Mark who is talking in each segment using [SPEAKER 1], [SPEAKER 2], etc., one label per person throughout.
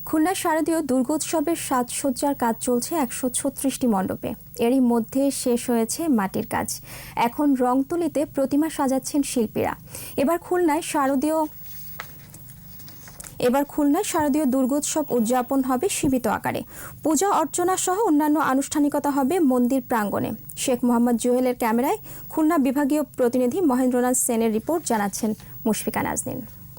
[SPEAKER 1] খুলনা শারদীয় দুর্গোৎসবের সাজসজ্জার কাজ চলছে ১৩৬টি মণ্ডপে। এরই মধ্যে শেষ হয়েছে মাটির কাজ। এখন রং তুলিতে প্রতিমা সাজাচ্ছেন শিল্পীরা। এবার খুলনায় শারদীয় দুর্গোৎসব উদযাপন হবে সীমিত আকারে। পূজা অর্চনা সহ অন্যান্য আনুষ্ঠানিকতা হবে মন্দির প্রাঙ্গণে। শেখ মোহাম্মদ জুহেলের ক্যামেরায় খুলনা বিভাগীয় প্রতিনিধি মহেন্দ্রনাথ সেনের রিপোর্ট, জানাচ্ছেন মুশফিকা নাজনীন।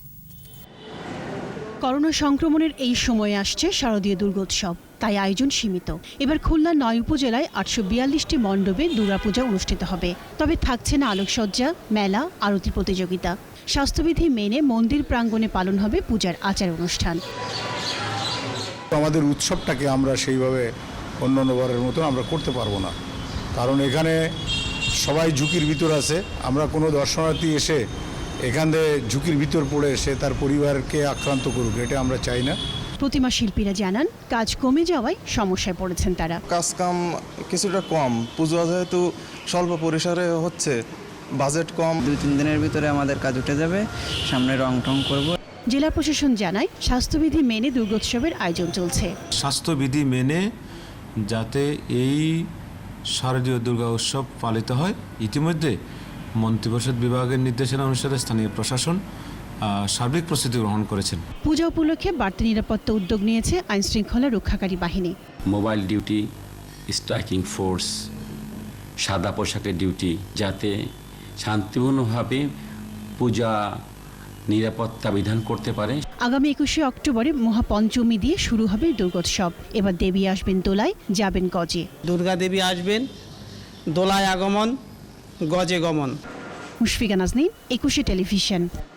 [SPEAKER 2] করোনা সংক্রমণের এই সময়ে আসছে শারদীয় দুর্গোৎসব, তাই আয়োজন সীমিত। এবার খুলনার ৯ উপজেলায় ৮৪২টি মণ্ডপে দুর্গাপূজা অনুষ্ঠিত হবে। তবে থাকছে না আলোকসজ্জা, মেলা, আরতি প্রতিযোগিতা। স্বাস্থ্যবিধি মেনে মন্দির প্রাঙ্গণে পালন হবে পূজার আচার অনুষ্ঠান।
[SPEAKER 3] আমাদের উৎসবটাকে আমরা সেইভাবে অন্যান্যবারের মতন আমরা করতে পারবো না, কারণ এখানে সবাই ঝুঁকির ভিতর আছে। আমরা কোনো দর্শনার্থী এসে এখান থেকে ঝুঁকির ভিতর পড়ে সে তার পরিবারকে আক্রান্ত করুক, এটা আমরা চাই না।
[SPEAKER 2] প্রতিমা শিল্পীরা জানান, কাজ কমে যাওয়ায় সমস্যায় পড়েছেন তারা।
[SPEAKER 4] কাজ কাম কিছুটা কম, পুজো যেহেতু স্বল্প পরিসরে হচ্ছে, বাজেট কম।
[SPEAKER 5] ২-৩ দিনের ভিতরে আমাদের কাজ উঠে যাবে, সামনে রং টং করব।
[SPEAKER 2] জেলা প্রশাসন জানায়, স্বাস্থ্যবিধি মেনে দুর্গোৎসবের আয়োজন চলছে।
[SPEAKER 6] স্বাস্থ্যবিধি মেনে যাতে এই শারদীয় দুর্গা উৎসব পালিত হয়, ইতিমধ্যে মন্ত্রিপরিষদ বিভাগের নির্দেশনা অনুসারে স্থানীয় প্রশাসন সার্বিক প্রস্তুতি গ্রহণ করেছেন।
[SPEAKER 2] পূজা উপলক্ষে বাড়তি নিরাপত্তা উদ্যোগ নিয়েছে আইনশৃঙ্খলা রক্ষাকারী বাহিনী।
[SPEAKER 7] মোবাইল ডিউটি, স্ট্রাইকিং ফোর্স, সাদা পোশাকের ডিউটি, যাতে শান্তিপূর্ণভাবে পূজা নিরাপত্তা বিধান করতে পারে।
[SPEAKER 2] আগামী ২১শে অক্টোবরে মহাপঞ্চমী দিয়ে শুরু হবে দুর্গোৎসব। এবার দেবী আসবেন দোলায়, যাবেন গজে।
[SPEAKER 8] দুর্গা দেবী আসবেন দোলায় আগমন, গজে গমন।
[SPEAKER 2] মুশফিকা নাজনীন, ২১শে টেলিভিশন।